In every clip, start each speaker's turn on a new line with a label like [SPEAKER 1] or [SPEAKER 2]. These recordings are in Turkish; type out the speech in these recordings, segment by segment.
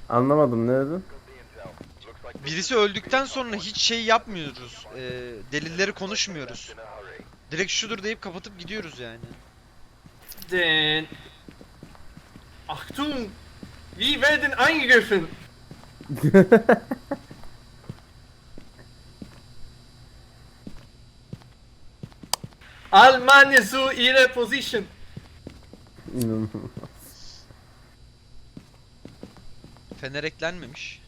[SPEAKER 1] Anlamadım, ne dedin?
[SPEAKER 2] Birisi öldükten sonra hiç şey yapmıyoruz. Delilleri konuşmuyoruz. Direkt şudur deyip kapatıp gidiyoruz yani.
[SPEAKER 3] Den. Achtung! Wie werden angegriffen? All Mann zu ihrer Position.
[SPEAKER 1] İnanılmaz.
[SPEAKER 2] Fener eklenmemiş.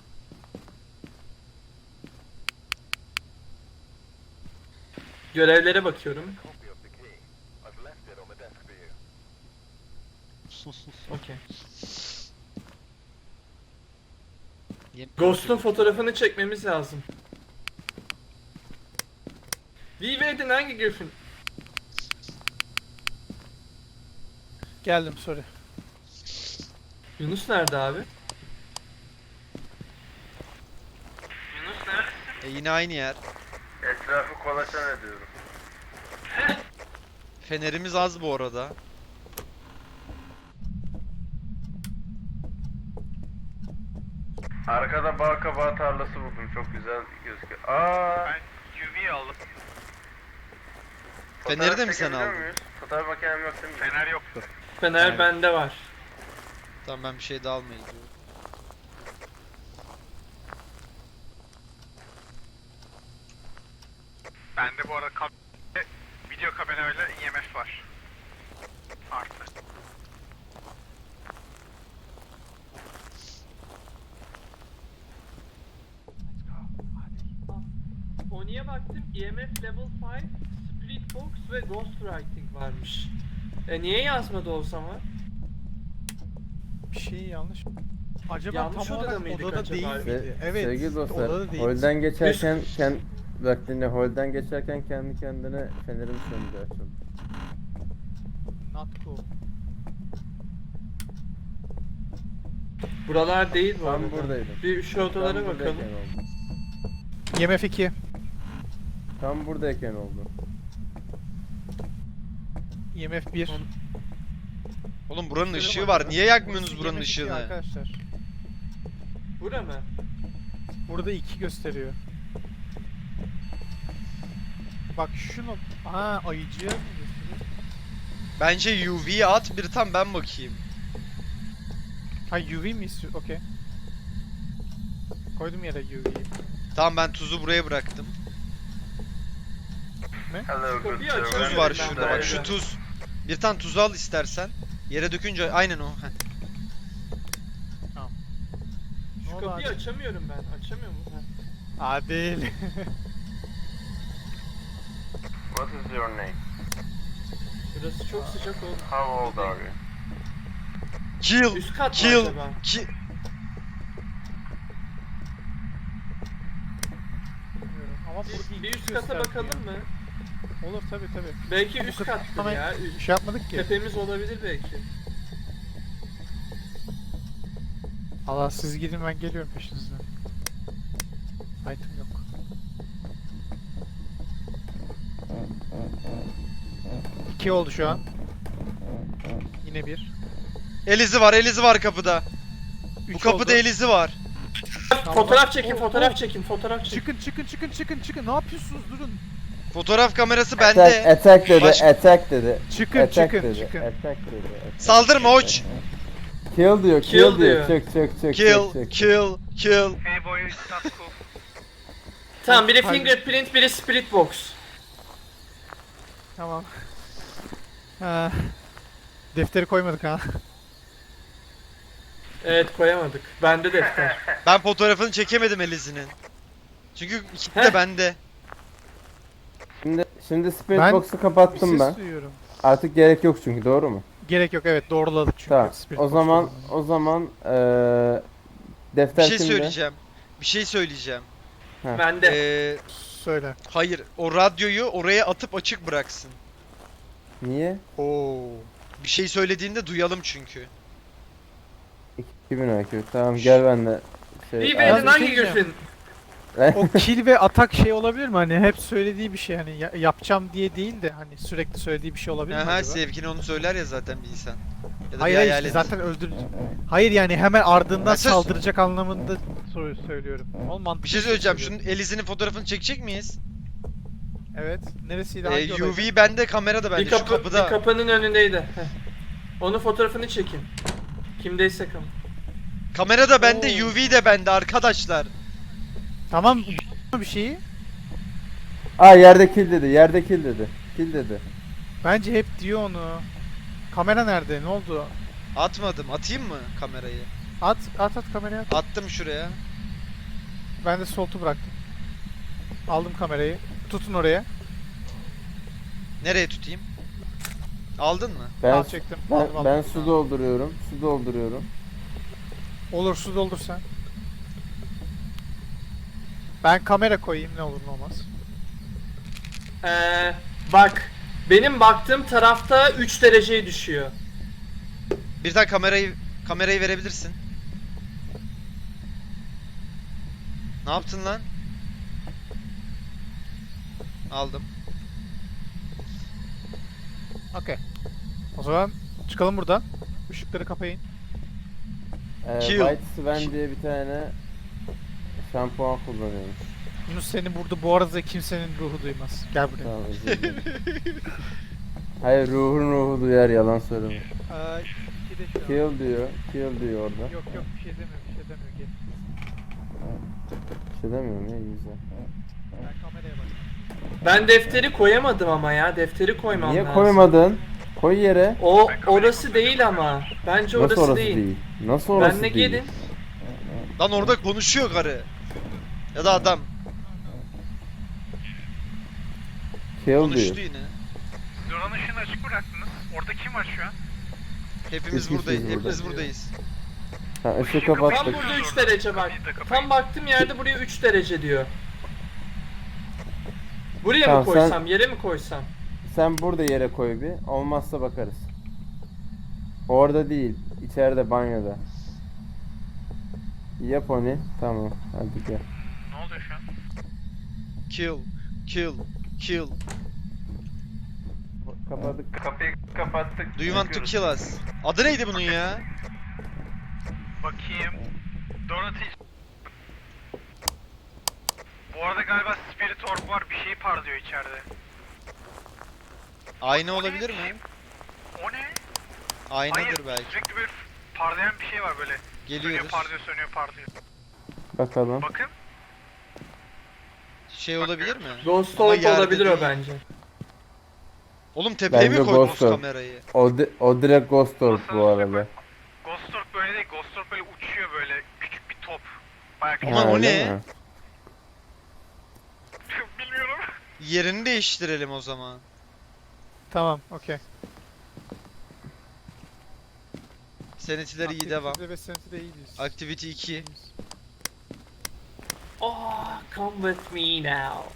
[SPEAKER 3] Görevlere bakıyorum. Okey. Ghost'un fotoğrafını çekmemiz lazım. Wie werden angegriffen?
[SPEAKER 4] Geldim, sorry.
[SPEAKER 3] Yunus nerede abi? Yunus nerede?
[SPEAKER 2] Yine aynı yer.
[SPEAKER 1] Etrafı kolaçan ediyorum.
[SPEAKER 2] Fenerimiz az bu arada.
[SPEAKER 1] Arkada bal kabağı tarlası buldum, çok güzel gözüküyor. Aa!
[SPEAKER 5] Ben UV aldım.
[SPEAKER 2] Feneri de mi sen
[SPEAKER 1] çekebiliyor
[SPEAKER 2] aldın?
[SPEAKER 1] muyuz? Fotoğraf makinem yok değil mi?
[SPEAKER 5] Fener yoktu.
[SPEAKER 3] Fener
[SPEAKER 2] Evet.
[SPEAKER 3] bende var.
[SPEAKER 2] Tamam, ben bir şey daha almaya gidiyorum.
[SPEAKER 5] Bende bu arada video kamerayla IMF var. Artı.
[SPEAKER 3] Oni'ye baktım, EMF Level 5, Split Box ve Ghostwriting varmış. Niye yazmadı o zaman?
[SPEAKER 4] Bir şey yanlış. Acaba
[SPEAKER 3] Yanlış
[SPEAKER 4] tam
[SPEAKER 3] odada
[SPEAKER 4] olarak
[SPEAKER 3] mıydık
[SPEAKER 4] odada
[SPEAKER 3] acaba?
[SPEAKER 4] değil miydi? Evet.
[SPEAKER 1] Sevgili dostlar,
[SPEAKER 4] odada değil.
[SPEAKER 1] holden geçerken bak dinle, holden geçerken kendi kendine fenerim söndü, açıldı.
[SPEAKER 4] Not cool.
[SPEAKER 3] Buralar değil bu
[SPEAKER 1] Tam
[SPEAKER 3] arada.
[SPEAKER 1] buradaydım.
[SPEAKER 3] Bir şu odalara
[SPEAKER 1] Tam
[SPEAKER 3] bakalım.
[SPEAKER 1] buradayken oldu.
[SPEAKER 4] IMF 2.
[SPEAKER 1] Tam buradayken oldu.
[SPEAKER 4] IMF 1.
[SPEAKER 2] Oğlum buranın ışığı var. Niye yakmıyorsunuz buranın
[SPEAKER 4] IMF 2
[SPEAKER 2] ışığını?
[SPEAKER 4] arkadaşlar.
[SPEAKER 3] Bura mı?
[SPEAKER 4] Burada 2 gösteriyor. Bak şunu. Ha, ayıcıya mı gösteriyor?
[SPEAKER 2] Bence UV'ye at, bir tam ben bakayım.
[SPEAKER 4] Ha, UV mi istiyor? Okey. Koydum yere UV'yi.
[SPEAKER 2] Tamam, ben tuzu buraya bıraktım.
[SPEAKER 1] Hello,
[SPEAKER 3] Kapıyı açıyorum.
[SPEAKER 2] Tuz var
[SPEAKER 3] Ben
[SPEAKER 2] şurada,
[SPEAKER 3] böyle.
[SPEAKER 2] bak şu tuz. Bir tane tuzu al istersen. Yere dökünce aynen o. Heh.
[SPEAKER 3] Şu
[SPEAKER 4] Ne oldu
[SPEAKER 3] kapıyı
[SPEAKER 4] abi?
[SPEAKER 3] açamıyorum ben. Açamıyor mu?
[SPEAKER 4] Adil.
[SPEAKER 1] What is your name?
[SPEAKER 3] Burası çok sıcak oldu.
[SPEAKER 1] How old are you?
[SPEAKER 2] Kill,
[SPEAKER 3] Üst kat mı
[SPEAKER 2] kill,
[SPEAKER 3] acaba?
[SPEAKER 2] kill.
[SPEAKER 4] Bilmiyorum. Ama burada
[SPEAKER 3] Bir
[SPEAKER 4] iki
[SPEAKER 3] üst kata
[SPEAKER 4] göstermiyor.
[SPEAKER 3] bakalım mı?
[SPEAKER 4] Olur, tabi tabi.
[SPEAKER 3] Belki
[SPEAKER 4] Bu
[SPEAKER 3] üst
[SPEAKER 4] kadar-
[SPEAKER 3] kattır
[SPEAKER 4] ama
[SPEAKER 3] ya.
[SPEAKER 4] Bir şey yapmadık ki.
[SPEAKER 3] Tepemiz olabilir belki.
[SPEAKER 4] Allah, siz gidin, ben geliyorum peşinizden. Item yok. İki oldu şu an. Yine bir.
[SPEAKER 2] Elizi var, Elizi var kapıda. Bu
[SPEAKER 4] Üç
[SPEAKER 2] kapıda
[SPEAKER 4] oldu.
[SPEAKER 2] Elizi var.
[SPEAKER 4] Tamam.
[SPEAKER 3] Fotoğraf çekin,
[SPEAKER 4] Oh,
[SPEAKER 3] fotoğraf
[SPEAKER 4] oh.
[SPEAKER 3] çekin, fotoğraf çekin.
[SPEAKER 4] Çıkın. Ne yapıyorsunuz? Durun.
[SPEAKER 2] Fotoğraf kamerası
[SPEAKER 1] Attack,
[SPEAKER 2] bende.
[SPEAKER 1] attack dedi,
[SPEAKER 2] Baş-
[SPEAKER 1] attack dedi.
[SPEAKER 4] Çıkın,
[SPEAKER 1] Attack
[SPEAKER 4] çıkın,
[SPEAKER 1] dedi,
[SPEAKER 4] çıkın.
[SPEAKER 1] attack dedi. Attack.
[SPEAKER 2] Saldırma uç.
[SPEAKER 1] Kill diyor,
[SPEAKER 3] Kill
[SPEAKER 1] kill diyor.
[SPEAKER 3] diyor.
[SPEAKER 1] Çık.
[SPEAKER 2] Kill, kill.
[SPEAKER 5] Hey boy, it's not cool.
[SPEAKER 3] Tamam, biri
[SPEAKER 4] Haydi.
[SPEAKER 3] fingerprint, biri split box.
[SPEAKER 4] Tamam. Ha. Defteri koymadık ha.
[SPEAKER 3] Evet, koyamadık. Bende defter.
[SPEAKER 2] Ben fotoğrafını çekemedim Elizi'nin. Çünkü ikisi de
[SPEAKER 3] Heh.
[SPEAKER 2] bende.
[SPEAKER 1] Şimdi spirit
[SPEAKER 4] Ben
[SPEAKER 1] box'u
[SPEAKER 4] Bir
[SPEAKER 1] kapattım
[SPEAKER 4] ses
[SPEAKER 1] ben.
[SPEAKER 4] duyuyorum.
[SPEAKER 1] Artık gerek yok çünkü, doğru mu?
[SPEAKER 4] Gerek yok, evet, doğruladık çünkü.
[SPEAKER 1] Tamam.
[SPEAKER 4] Spirit
[SPEAKER 1] O
[SPEAKER 4] box
[SPEAKER 1] zaman
[SPEAKER 4] doğruladı.
[SPEAKER 2] Bir
[SPEAKER 1] defter
[SPEAKER 2] şey
[SPEAKER 1] kimde?
[SPEAKER 2] söyleyeceğim. Bir şey söyleyeceğim.
[SPEAKER 3] Bende.
[SPEAKER 4] Söyle.
[SPEAKER 2] Hayır, o radyoyu oraya atıp açık bıraksın.
[SPEAKER 1] Niye?
[SPEAKER 4] Oo.
[SPEAKER 2] Bir şey söylediğinde duyalım çünkü.
[SPEAKER 1] 2000 IQ. Tamam, gel benimle.
[SPEAKER 3] Wie
[SPEAKER 1] Şey,
[SPEAKER 3] werden
[SPEAKER 4] bir şey
[SPEAKER 3] angegriffen?
[SPEAKER 4] O kill ve atak şey olabilir mi? Hani hep söylediği bir şey, hani yapacağım diye değil de hani sürekli söylediği bir şey olabilir mi
[SPEAKER 2] Aha,
[SPEAKER 4] acaba?
[SPEAKER 2] sevgini onu söyler ya zaten bir insan. Ya da
[SPEAKER 4] Hayır
[SPEAKER 2] bir
[SPEAKER 4] hayır,
[SPEAKER 2] hayalet.
[SPEAKER 4] zaten öldürücü. Hayır yani hemen ardından
[SPEAKER 2] Mesaj-
[SPEAKER 4] saldıracak anlamında söylüyorum. Oğlum mantıklı
[SPEAKER 2] Bir şey söyleyeceğim.
[SPEAKER 4] söylüyorum.
[SPEAKER 2] Şunun Elise'nin fotoğrafını çekecek miyiz?
[SPEAKER 4] Evet. Neresiydi? Hangi odaydı?
[SPEAKER 2] UV bende, kamera da bende.
[SPEAKER 3] Bir
[SPEAKER 2] Şu
[SPEAKER 3] kapı,
[SPEAKER 2] kapıda.
[SPEAKER 3] bir kapının önündeydi. Heh. Onun fotoğrafını çekin. Kimdeyse kam.
[SPEAKER 2] Kamera da bende,
[SPEAKER 4] Oo.
[SPEAKER 2] UV de bende arkadaşlar.
[SPEAKER 4] Tamam bir şeyi.
[SPEAKER 1] Aa yerde kill dedi. Yerde kill dedi. Kill dedi.
[SPEAKER 4] Bence hep diyor onu. Kamera nerede? Ne oldu?
[SPEAKER 2] Atmadım. Atayım mı kamerayı?
[SPEAKER 4] At kameraya at.
[SPEAKER 2] Attım şuraya.
[SPEAKER 4] Ben de soltu bıraktım. Aldım kamerayı. Tutun oraya.
[SPEAKER 2] Nereye tutayım? Aldın mı?
[SPEAKER 4] Al çektim. Aldım,
[SPEAKER 1] Ben
[SPEAKER 4] aldım.
[SPEAKER 1] su dolduruyorum. Su dolduruyorum.
[SPEAKER 4] Olur, su doldur sen. Ben kamera koyayım, ne olur ne olmaz.
[SPEAKER 3] Bak. Benim baktığım tarafta 3 dereceye düşüyor.
[SPEAKER 2] Bir tane kamerayı verebilirsin. Ne yaptın lan? Aldım.
[SPEAKER 4] Okey. O zaman çıkalım buradan. Işıkları kapayın.
[SPEAKER 2] Kill.
[SPEAKER 1] White Sven diye bir tane şampuan kullanıyormuş.
[SPEAKER 4] Yunus, seni burada bu arada kimsenin ruhu duymaz. Gel buraya.
[SPEAKER 1] Tamam özür dilerim. Hayır ruhu duyar, yalan söyleme.
[SPEAKER 4] İki de şu an.
[SPEAKER 1] Kill diyor orada.
[SPEAKER 4] Yok bir şey demiyor, gel.
[SPEAKER 1] Bir şey demiyorum ya, iyi güzel.
[SPEAKER 4] Ben kameraya bak.
[SPEAKER 3] Ben defteri koyamadım ama ya. Defteri koymam
[SPEAKER 1] Niye
[SPEAKER 3] lazım.
[SPEAKER 1] koymadın? Koy yere.
[SPEAKER 3] O orası değil ama. Bence
[SPEAKER 1] Nasıl
[SPEAKER 3] orası değil.
[SPEAKER 1] Nasıl orası
[SPEAKER 3] Benle
[SPEAKER 1] değil?
[SPEAKER 3] gelin.
[SPEAKER 2] Lan orada konuşuyor karı. Ya da adam.
[SPEAKER 1] Kill
[SPEAKER 2] Konuştu
[SPEAKER 1] diyor.
[SPEAKER 2] yine.
[SPEAKER 5] Siz oranın ışığını açık bıraktınız. Orada kim var şu an?
[SPEAKER 2] Hepimiz
[SPEAKER 1] Biz
[SPEAKER 2] buradayız.
[SPEAKER 1] burada.
[SPEAKER 2] Hepimiz buradayız.
[SPEAKER 1] Ha, ışığı
[SPEAKER 3] Tam
[SPEAKER 1] kapattık.
[SPEAKER 3] burada 3 derece bak. Tam baktığım yerde buraya 3 derece diyor. Buraya
[SPEAKER 1] Tamam,
[SPEAKER 3] mı koysam, yere mi koysam?
[SPEAKER 1] Sen burada yere koy bir. Olmazsa bakarız. Orada değil. İçeride, banyoda. Yap onu. Tamam. Hadi gel.
[SPEAKER 5] Ne oluyor şu an?
[SPEAKER 2] Kill.
[SPEAKER 1] Kapadık.
[SPEAKER 5] Kapıyı kapattık.
[SPEAKER 2] Do you want to kill us? Adı neydi bunun ya?
[SPEAKER 5] Bakayım. Dorothy. Bu arada galiba Spirit Orb var. Bir şey parlıyor içeride.
[SPEAKER 2] Ayna olabilir mi?
[SPEAKER 5] O ne?
[SPEAKER 2] Aynadır belki.
[SPEAKER 5] Sürekli böyle parlayan bir şey var böyle.
[SPEAKER 2] Geliyoruz.
[SPEAKER 5] Sönüyor parlıyor.
[SPEAKER 1] Bakalım.
[SPEAKER 5] Bakın.
[SPEAKER 2] Şey olabilir mi?
[SPEAKER 3] Ghost
[SPEAKER 2] Ama
[SPEAKER 3] Orb
[SPEAKER 2] yerde
[SPEAKER 3] olabilir o
[SPEAKER 2] değil.
[SPEAKER 3] bence.
[SPEAKER 2] Oğlum tepeye mi
[SPEAKER 1] Bence
[SPEAKER 2] koydunuz
[SPEAKER 1] Ghost Orb.
[SPEAKER 2] kamerayı?
[SPEAKER 1] O direkt Ghost Orb bu arada.
[SPEAKER 5] Ghost Orb böyle değil. Ghost Orb böyle uçuyor böyle. Küçük bir top. Bayağı küçük.
[SPEAKER 2] Aman o
[SPEAKER 1] öyle
[SPEAKER 2] ne?
[SPEAKER 1] mi?
[SPEAKER 5] Bilmiyorum.
[SPEAKER 2] Yerini değiştirelim o zaman.
[SPEAKER 4] Tamam, okey.
[SPEAKER 2] Senetiler iyi devam.
[SPEAKER 4] Ve seneti de iyi diyorsun.
[SPEAKER 2] Activity 2.
[SPEAKER 3] Oh, come with me now.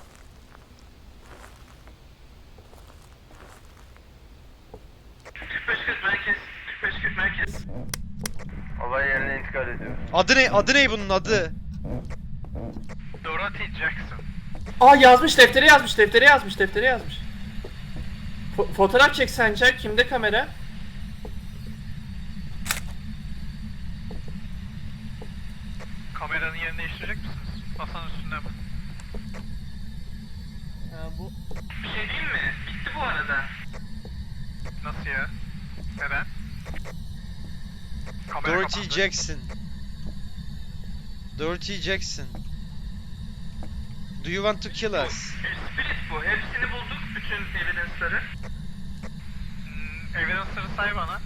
[SPEAKER 5] merkez. Olay yerine intikal ediyor.
[SPEAKER 2] Adı ne bunun adı?
[SPEAKER 5] Dorothy Jackson.
[SPEAKER 3] Aa yazmış, deftere yazmış. Fotoğraf çek sence. Kimde kamera?
[SPEAKER 5] Kameranın yerini değiştirecek misiniz? Masanın üstünde mi?
[SPEAKER 3] Bu
[SPEAKER 5] Bir şey değil mi? Bitti bu arada. Nasıl ya? Neden? Kamera
[SPEAKER 2] Dorothy
[SPEAKER 5] kapandı.
[SPEAKER 2] Jackson. Dorothy Jackson. Do you want to kill us?
[SPEAKER 5] Spirit bu. Hepsini bulduk. Bütün evidence'ları. Evidence'ları say bana.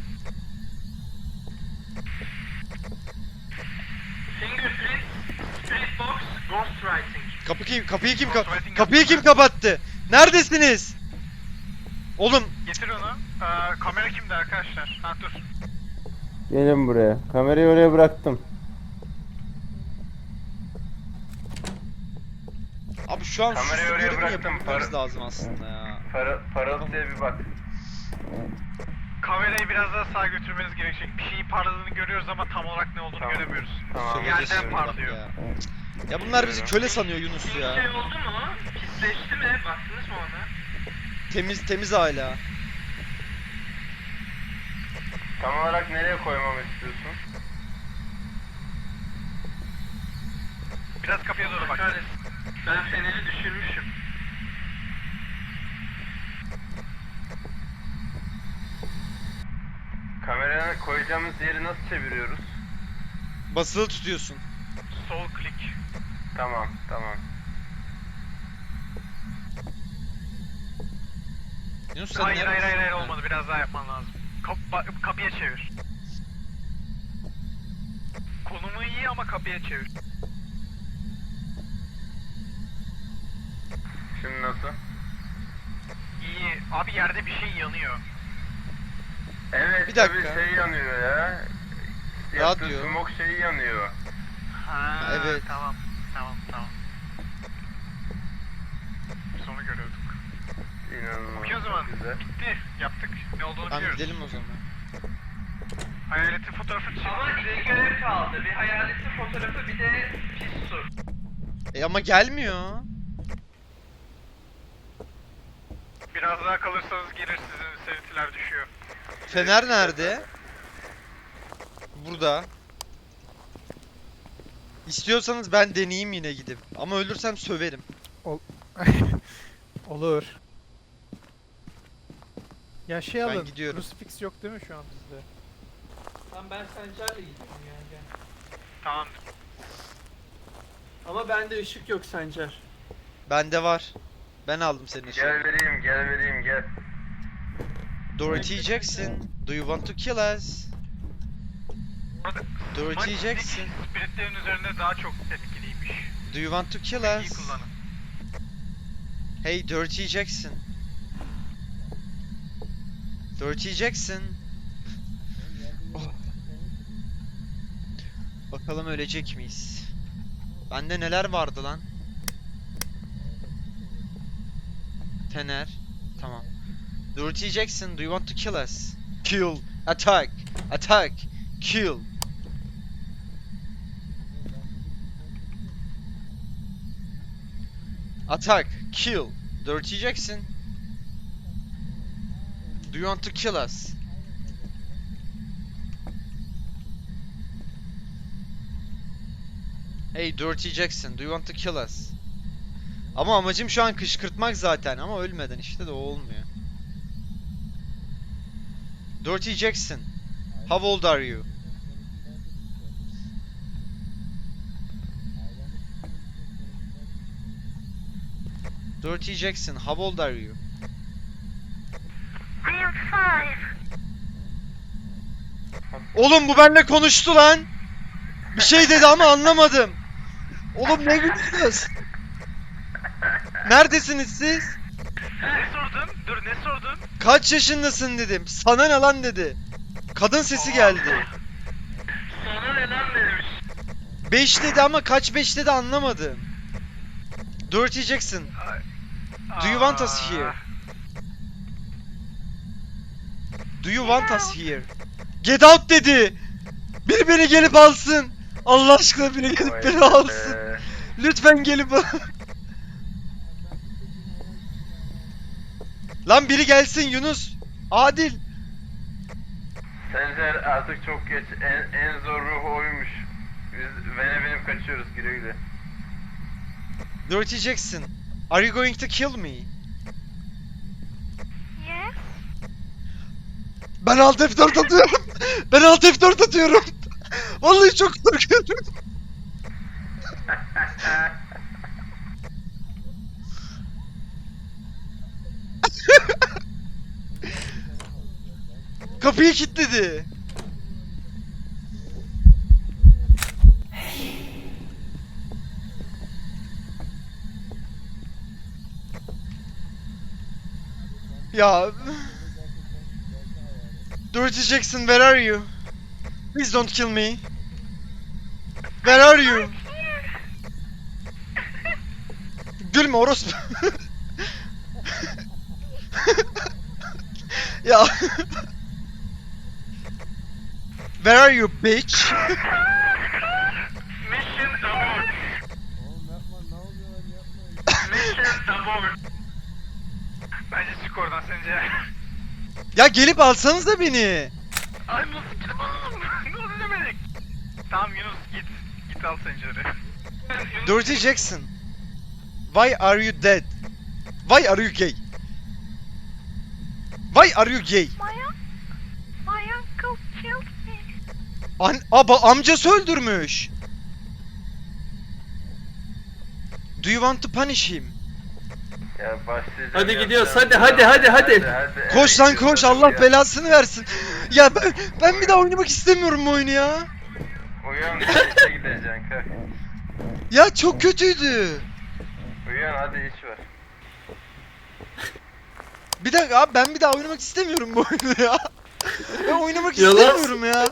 [SPEAKER 3] Fingerprint, Spirit Box, Ghostwriting.
[SPEAKER 2] Kapıyı kim kapattı? Neredesiniz? Oğlum
[SPEAKER 5] Getir onu. Kamera kimde arkadaşlar? Ha dur.
[SPEAKER 1] Gelin buraya. Kamerayı oraya bıraktım.
[SPEAKER 2] abi şu an
[SPEAKER 5] Kamerayı
[SPEAKER 2] susuz
[SPEAKER 5] oraya
[SPEAKER 2] görevi
[SPEAKER 5] bıraktım,
[SPEAKER 2] yapmamız lazım aslında ya.
[SPEAKER 5] Parıltıya bir bak. Kamerayı biraz daha sağa götürmeniz gerekecek. Bir şeyin parladığını görüyoruz ama tam olarak ne olduğunu göremiyoruz.
[SPEAKER 2] Söveceğiz
[SPEAKER 5] Yerden
[SPEAKER 2] şimdi bak
[SPEAKER 5] parlıyor.
[SPEAKER 2] ya. Ya bunlar bizi köle sanıyor Yunus
[SPEAKER 5] Bir şey
[SPEAKER 2] ya.
[SPEAKER 5] oldu mu? Pisleşti mi? Baktınız mı ona?
[SPEAKER 2] Temiz hala.
[SPEAKER 1] Tam olarak nereye koymamı istiyorsun?
[SPEAKER 5] Biraz kapıya doğru bak. Ben feneri düşürmüşüm.
[SPEAKER 1] Kameraya koyacağımız yeri nasıl çeviriyoruz?
[SPEAKER 2] Basılı tutuyorsun.
[SPEAKER 5] Sol klik.
[SPEAKER 1] Tamam.
[SPEAKER 2] Yunus sen
[SPEAKER 5] Hayır
[SPEAKER 2] neredesin?
[SPEAKER 5] olmadı. Biraz daha yapman lazım. Kapıya çevir. Konumu iyi ama kapıya çevir.
[SPEAKER 1] Şimdi nasıl?
[SPEAKER 5] İyi. Abi yerde bir şey yanıyor.
[SPEAKER 1] Evet,
[SPEAKER 2] Bir dakika.
[SPEAKER 1] tabii şey yanıyor ya.
[SPEAKER 2] Radyo.
[SPEAKER 1] Yaptığı smoke şeyi yanıyor.
[SPEAKER 5] Ha,
[SPEAKER 2] Evet.
[SPEAKER 5] Tamam. Biz onu görüyorduk.
[SPEAKER 1] İnanılmaz.
[SPEAKER 5] Okey o zaman.
[SPEAKER 1] çok güzel.
[SPEAKER 5] Bitti. Yaptık. Ne olduğunu
[SPEAKER 2] Tamam
[SPEAKER 5] biliyoruz.
[SPEAKER 2] gidelim o zaman.
[SPEAKER 5] Hayaletin fotoğrafı çıktı. Ama iki görev kaldı. Bir hayaletin fotoğrafı bir de pis su.
[SPEAKER 2] Ama gelmiyor.
[SPEAKER 5] Biraz daha kalırsanız gelir sizin serintiler düşüyor.
[SPEAKER 2] Fener nerede? Burada. İstiyorsanız ben deneyeyim yine gidip. Ama ölürsem söverim.
[SPEAKER 4] Olur. Ya şey
[SPEAKER 2] Ben
[SPEAKER 4] alın.
[SPEAKER 2] gidiyorum.
[SPEAKER 4] Crucifix yok değil mi şu an bizde?
[SPEAKER 3] Tamam ben Sencer'le gidiyorum yani. Gel.
[SPEAKER 5] Tamam.
[SPEAKER 3] Ama bende ışık yok Sencer.
[SPEAKER 2] Bende var. Ben aldım senin için.
[SPEAKER 1] Gel vereyim gel.
[SPEAKER 2] Dorothy Jackson, do you want to kill us?
[SPEAKER 5] Burada
[SPEAKER 2] Dorothy
[SPEAKER 5] Smite
[SPEAKER 2] Jackson,
[SPEAKER 5] Stick spiritlerin üzerinde daha çok etkiliymiş.
[SPEAKER 2] do you want to kill
[SPEAKER 5] İyi
[SPEAKER 2] us?
[SPEAKER 5] kullanın.
[SPEAKER 2] Hey Dorothy Jackson. Dorothy Jackson. Oh. Bakalım ölecek miyiz? Bende neler vardı lan? Fener. Tamam. Dorothy Jackson, do you want to kill us? Kill. Attack. Attack. Kill. Attack. Kill. Dorothy Jackson. Do you want to kill us? Hey Dorothy Jackson, do you want to kill us? Ama amacım şu an kışkırtmak zaten ama ölmeden işte de o olmuyor. Dorothy Jackson, how old are you? Dorothy Jackson, how old are you?
[SPEAKER 5] I am 5.
[SPEAKER 2] Oğlum bu benimle konuştu lan. Bir şey dedi ama anlamadım. Oğlum ne gülüyorsunuz? Neredesiniz siz?
[SPEAKER 5] Ne sordun? Dur ne sordun?
[SPEAKER 2] Kaç yaşındasın dedim. Sana ne lan dedi. Kadın sesi geldi.
[SPEAKER 5] Sana ne lan demiş.
[SPEAKER 2] 5 dedi ama kaç 5 dedi anlamadım. Dorothy Jackson, do you want us here? Do you want us here? Get out dedi. Biri beni gelip alsın. Allah aşkına biri gelip
[SPEAKER 1] Vay
[SPEAKER 2] beni
[SPEAKER 1] be.
[SPEAKER 2] alsın. Lütfen gelip al. Lan biri gelsin Yunus. Adil.
[SPEAKER 1] Sencer artık çok geç. En zor ruhu oymuş. Biz Vene benim kaçıyoruz güle güle.
[SPEAKER 2] Dorothy Jackson, are you going to kill me?
[SPEAKER 6] Yes.
[SPEAKER 2] Ben alt F4 atıyorum. Ben alt F4 atıyorum. Vallahi çok korkuyorum. Kapıyı kilitledi. Ya. Dorothy Jackson, where are you? Please don't kill me. Where are you? Gülme orospu. Ya. Where are you bitch?
[SPEAKER 5] Mission abort. Bence çık oradan sence.
[SPEAKER 2] Ya gelip alsanız da beni.
[SPEAKER 5] Ay nasıl gidip alalım? Ne oldu demedik? Tamam Yunus git. Git al Sencer'i.
[SPEAKER 2] Dirty Jackson. Why are you dead? Why are you gay? Why are you gay?
[SPEAKER 6] My uncle killed me.
[SPEAKER 2] Amcası öldürmüş. Do you want to punish him?
[SPEAKER 1] Ya başlayacağım.
[SPEAKER 3] Hadi gidiyoruz, hadi.
[SPEAKER 2] Koş lan koş, Allah belasını versin. Ya ben bir daha oynamak istemiyorum bu oyunu ya.
[SPEAKER 1] Uyan işe gideceksin kalk.
[SPEAKER 2] Ya çok kötüydü.
[SPEAKER 1] Uyan hadi iş var.
[SPEAKER 2] Bir dakika abi, ben bir daha oynamak istemiyorum bu oyunu ya. Ben oynamak
[SPEAKER 3] Yalan.
[SPEAKER 2] istemiyorum ya.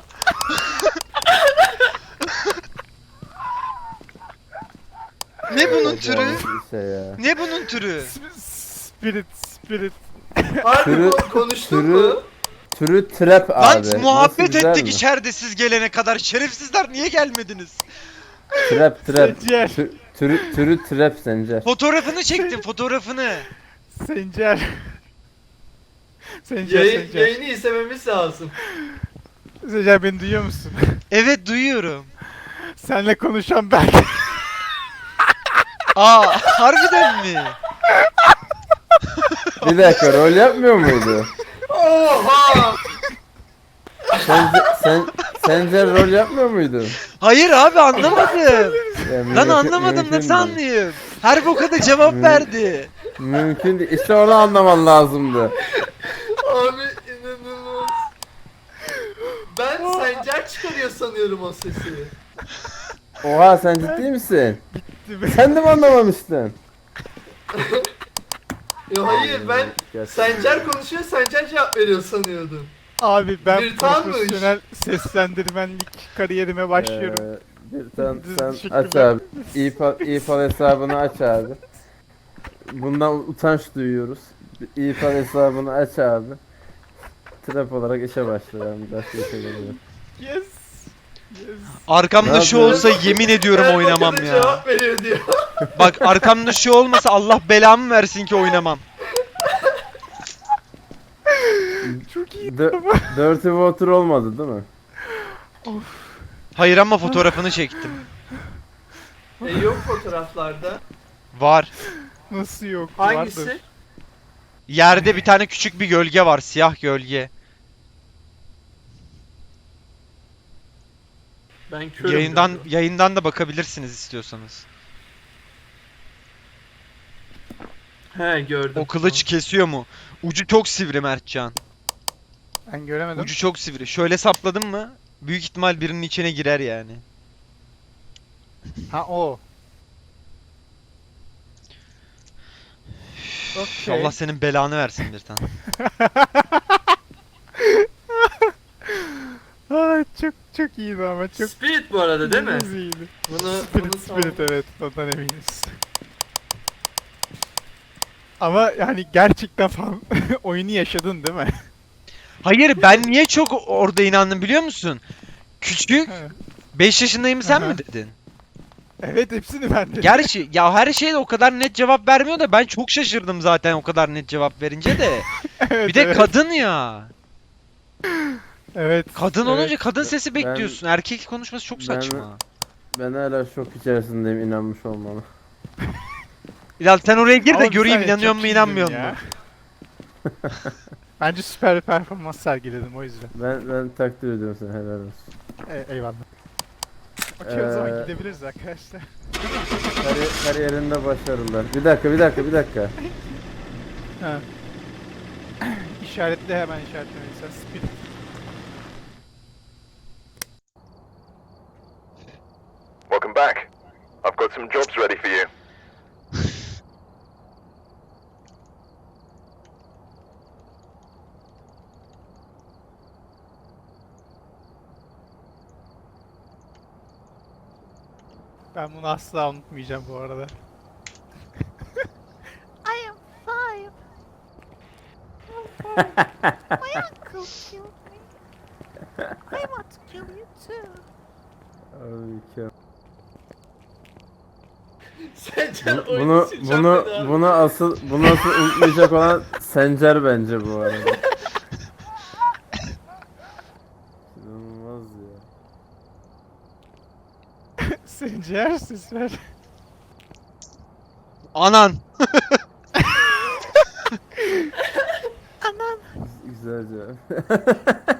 [SPEAKER 2] Ne bunun türü?
[SPEAKER 1] Bir şey ya.
[SPEAKER 2] Ne bunun türü?
[SPEAKER 4] Spirit.
[SPEAKER 3] Harbi
[SPEAKER 1] Türü-
[SPEAKER 3] konuştun
[SPEAKER 1] türü-
[SPEAKER 3] mu?
[SPEAKER 1] Türü trap abi.
[SPEAKER 2] Lan
[SPEAKER 1] Nasıl,
[SPEAKER 2] muhabbet
[SPEAKER 1] güzel
[SPEAKER 2] ettik
[SPEAKER 1] mi?
[SPEAKER 2] içeride siz gelene kadar. Şerefsizler niye gelmediniz?
[SPEAKER 1] Trap.
[SPEAKER 4] Sencer.
[SPEAKER 1] Türü trap Sencer.
[SPEAKER 2] Fotoğrafını çektim, fotoğrafını.
[SPEAKER 4] Sencer. Sencer.
[SPEAKER 3] Yayını izlememiz lazım.
[SPEAKER 4] Sencer beni duyuyor musun?
[SPEAKER 2] Evet duyuyorum.
[SPEAKER 4] Senle konuşan ben.
[SPEAKER 2] Aa harbiden mi?
[SPEAKER 1] Bir dakika rol yapmıyor muydu?
[SPEAKER 3] Oha!
[SPEAKER 1] Sencer rol yapmıyor muydu?
[SPEAKER 2] Hayır abi anlamadım.
[SPEAKER 1] Ya
[SPEAKER 2] Lan
[SPEAKER 1] mümkün-
[SPEAKER 2] anlamadım,
[SPEAKER 1] mümkün
[SPEAKER 2] nasıl
[SPEAKER 1] değil.
[SPEAKER 2] anlayayım? Her boka da cevap verdi.
[SPEAKER 1] Mümkün değil. İşte onu anlaman lazımdı.
[SPEAKER 3] Abi inanılmaz. Ben Sencer çıkarıyor sanıyorum o sesi.
[SPEAKER 1] Oha sen ciddi misin? Sen de mi anlamamıştın?
[SPEAKER 3] Ya hayır ben
[SPEAKER 1] Gerçekten.
[SPEAKER 3] Sencer konuşuyor, Sencer cevap veriyor sanıyordum.
[SPEAKER 4] Abi ben
[SPEAKER 3] Bir tanmış.
[SPEAKER 4] profesyonel seslendirmenlik kariyerime başlıyorum.
[SPEAKER 1] Sen
[SPEAKER 4] Teşekkürler.
[SPEAKER 1] aç abi. İPal hesabını aç abi. Bundan utanç duyuyoruz. İPal hesabını aç abi. Trap olarak işe başlayalım. Başka işe geliyor.
[SPEAKER 4] Yes.
[SPEAKER 2] Arkamda
[SPEAKER 1] Ne
[SPEAKER 2] şu
[SPEAKER 1] yapıyorsun?
[SPEAKER 2] olsa yemin ediyorum
[SPEAKER 3] Her
[SPEAKER 2] oynamam
[SPEAKER 3] bakana
[SPEAKER 2] ya.
[SPEAKER 3] cevap veriyor diyor.
[SPEAKER 2] Bak arkamda şu olmasa Allah belamı versin ki oynamam.
[SPEAKER 4] Çok iyi.
[SPEAKER 1] Dirty Water olmadı değil mi?
[SPEAKER 2] Hayır ama fotoğrafını çektim.
[SPEAKER 3] Yok fotoğraflarda.
[SPEAKER 2] Var.
[SPEAKER 4] Nasıl yok?
[SPEAKER 3] Hangisi?
[SPEAKER 4] Vardır.
[SPEAKER 2] Yerde bir tane küçük bir gölge var, siyah gölge.
[SPEAKER 3] Ben körüm.
[SPEAKER 2] Yayından da bakabilirsiniz istiyorsanız.
[SPEAKER 3] He gördüm.
[SPEAKER 2] O kılıç kesiyor mu? Ucu çok sivri Mertcan.
[SPEAKER 4] Ben göremedim.
[SPEAKER 2] Ucu çok sivri. Şöyle sapladım mı? Büyük ihtimal birinin içine girer yani.
[SPEAKER 4] Ha o. Okey.
[SPEAKER 2] Allah senin belanı versin bir tane.
[SPEAKER 4] Aa, çok iyiydi ama çok
[SPEAKER 3] Spirit bu arada değil mi?
[SPEAKER 4] inanılmaz iyiydi.
[SPEAKER 3] Bunu
[SPEAKER 4] Spirit evet, ondan eminiz. Ama yani gerçekten falan oyunu yaşadın değil mi?
[SPEAKER 2] Hayır ben niye çok orada inandım biliyor musun? Küçük. 5 yaşındayım sen
[SPEAKER 4] Aha.
[SPEAKER 2] mi dedin?
[SPEAKER 4] Evet, hepsini ben dedim.
[SPEAKER 2] Gerçi ya her şeyde o kadar net cevap vermiyor da ben çok şaşırdım zaten o kadar net cevap verince de.
[SPEAKER 4] Evet,
[SPEAKER 2] Bir de
[SPEAKER 4] evet.
[SPEAKER 2] kadın ya.
[SPEAKER 4] Evet.
[SPEAKER 2] Kadın
[SPEAKER 4] evet.
[SPEAKER 2] olunca kadın sesi
[SPEAKER 1] Ben-
[SPEAKER 2] bekliyorsun. Erkek konuşması çok
[SPEAKER 1] Ben-
[SPEAKER 2] saçma.
[SPEAKER 1] Ben hala şok içerisindeyim inanmış olmana.
[SPEAKER 2] Ya sen oraya gir de
[SPEAKER 4] Ama
[SPEAKER 2] göreyim
[SPEAKER 4] bir saniye,
[SPEAKER 2] inanıyor
[SPEAKER 4] çok
[SPEAKER 2] mu
[SPEAKER 4] iyiydim
[SPEAKER 2] inanmıyor
[SPEAKER 4] ya.
[SPEAKER 2] mu?
[SPEAKER 4] Bence süper bir performans sergiledim o yüzden.
[SPEAKER 1] Ben takdir ediyorum seni helal olsun.
[SPEAKER 4] Eyvallah. Okey, o zaman
[SPEAKER 1] Ee,
[SPEAKER 4] gidebiliriz arkadaşlar.
[SPEAKER 1] Kariyerinde başarılar. Bir dakika.
[SPEAKER 4] Ha. İşaretle, hemen işaretlemeysen Spirit.
[SPEAKER 7] Welcome back. I've got some jobs ready for you.
[SPEAKER 4] Ben bunu asla unutmayacağım bu arada.
[SPEAKER 6] I am five. My uncle killed me. I want to kill you too.
[SPEAKER 1] Abi
[SPEAKER 3] Sencer
[SPEAKER 1] Bunu
[SPEAKER 3] oyunu
[SPEAKER 1] bunu
[SPEAKER 3] sileceğim
[SPEAKER 1] bunu,
[SPEAKER 3] dedi abi.
[SPEAKER 1] bunu asıl unutmayacak olan Sencer bence bu arada. İnanılmaz ya.
[SPEAKER 4] Sencer ses ver.
[SPEAKER 2] Anan.
[SPEAKER 1] Güzel cevap.